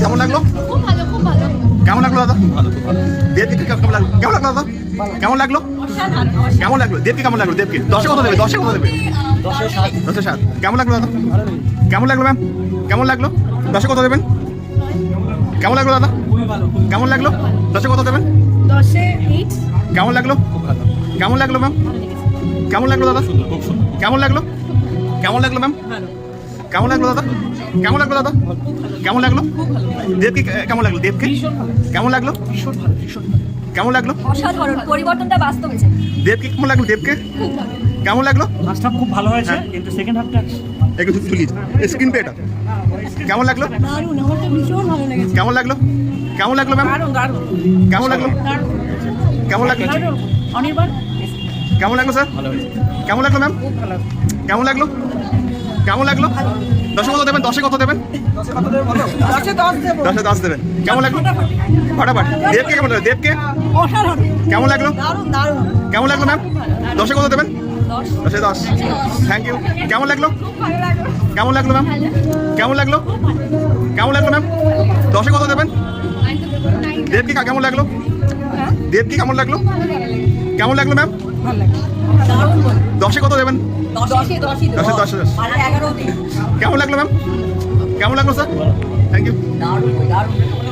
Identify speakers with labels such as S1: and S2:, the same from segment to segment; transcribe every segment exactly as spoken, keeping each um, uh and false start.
S1: কেমন লাগলো?
S2: খুব ভালো, খুব ভালো।
S1: কেমন লাগলো দাদা? দেবকে কেমন লাগলো? কেমন লাগলো দাদা? কেমন লাগলো? কেমন লাগলো? দেবকে কেমন লাগলো? দেবকে দশে কত দেবে? দশে কত দেবে? দশে সাত। কেমন লাগলো দাদা? কেমন লাগলো ম্যাম? কেমন লাগলো? দশে কত দেবেন? কেমন লাগলো দাদা? কেমন লাগলো? দশে কত দেবেন?
S2: দশে এইট।
S1: কেমন লাগলো? কেমন লাগলো ম্যাম? কেমন লাগলো দাদা? কেমন লাগলো? কেমন লাগলো ম্যাম? কেমন লাগলো দাদা? কেমন লাগলো দাদা? কেমন লাগলো? দেবকে কেমন লাগলো? দেবকে কেমন লাগলো? কেমন লাগলো?
S2: অসাধারণ, পরিবর্তনটা বাস্তবে চাই।
S1: দেবকে কেমন লাগলো? দেবকে কেমন লাগলো?
S3: ফার্স্ট হাফ খুব ভালো হয়েছে, কিন্তু সেকেন্ড হাফটা
S1: একটু তুলি স্ক্রিন পেটা কেমন লাগলো?
S2: দারুণ, আমার তো ভীষণ ভালো লেগেছে।
S1: কেমন লাগলো? কেমন লাগলো ম্যাম?
S2: দারুণ, দারুণ,
S1: কেমন লাগলো? কেমন লাগলো?
S2: দারুণ। অনির্বাণ
S1: কেমন লাগলো স্যার? কেমন লাগলো ম্যাম? কেমন লাগলো? কেমন লাগলো? দশে কত দেবেন? দশে কত দেবেন?
S2: দশে দশ দেবো।
S1: দশে দশ দেবেন। কেমন লাগলো? ফাটাফাটি। দেবকে কেমন লাগলো? দেবকে
S2: অসাধারণ,
S1: কেমন লাগলো?
S2: দারুণ, দারুণ।
S1: কেমন লাগলো ম্যাম? দশে কত দেবেন?
S2: দশ।
S1: দশে দশ। Thank you. কেমন লাগলো?
S2: ভালো লাগলো।
S1: কেমন লাগলো ম্যাম? কেমন লাগলো? কেমন লাগলো ম্যাম? দশে কত দেবেন? দেবকে কেমন লাগলো? দেবকে কেমন লাগলো? কেমন লাগলো ম্যাম?
S2: দারুণ বল।
S1: দশে কত দেবেন?
S2: দশে দশই দেবো।
S1: দশে দশে দশ।
S2: আর এগারো দিন।
S1: কেমন লাগলো ম্যাম? কেমন লাগলো স্যার? Thank you.
S2: দারুণ, দারুণ।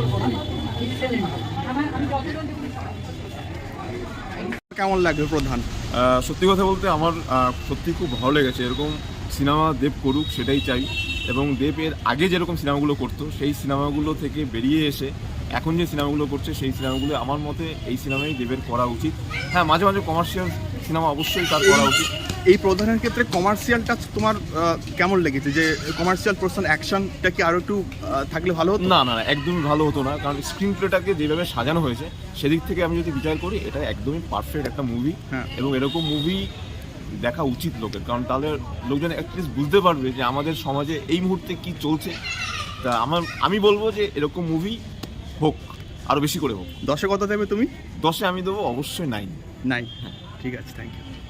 S1: কেমন লাগলো প্রধান?
S4: আহ, সত্যি কথা বলতে আমার আহ, সত্যি খুব ভালো লেগেছে। এরকম সিনেমা দেব করুক, সেটাই চাই। এবং দেব এর আগে যেরকম সিনেমাগুলো করতো সেই সিনেমাগুলো থেকে বেরিয়ে এসে এখন যে সিনেমাগুলো করছে সেই সিনেমাগুলো আমার মতে এই সিনেমাই দেবের করা উচিত। হ্যাঁ, মাঝে মাঝে কমার্শিয়াল সিনেমা অবশ্যই তার করা উচিত।
S1: এই প্রধানের ক্ষেত্রে কমার্শিয়াল টাচ তোমার আহ, কেমন লেগেছে? যে কমার্শিয়াল পার্সন অ্যাকশনটা কি আরো একটু আহ, থাকলে ভালো হতো?
S4: না না না, একদমই ভালো হতো না, কারণ স্ক্রিন প্লেটাকে যেভাবে সাজানো হয়েছে সেদিক থেকে আমি যদি বিচার করি এটা একদমই পারফেক্ট একটা মুভি।
S1: হ্যাঁ।
S4: এবং এরকম মুভি দেখা উচিত লোকের, কারণ তাহলে লোকজন অ্যাটলিস্ট বুঝতে পারবে যে আমাদের সমাজে এই মুহূর্তে কি চলছে। তা আমার আমি বলবো যে এরকম মুভি হোক, আরও বেশি করে হোক।
S1: দশে কত দেবে তুমি?
S4: দশে আমি দেবো অবশ্যই নাইন।
S1: নাই। ঠিক আছে, থ্যাংক ইউ।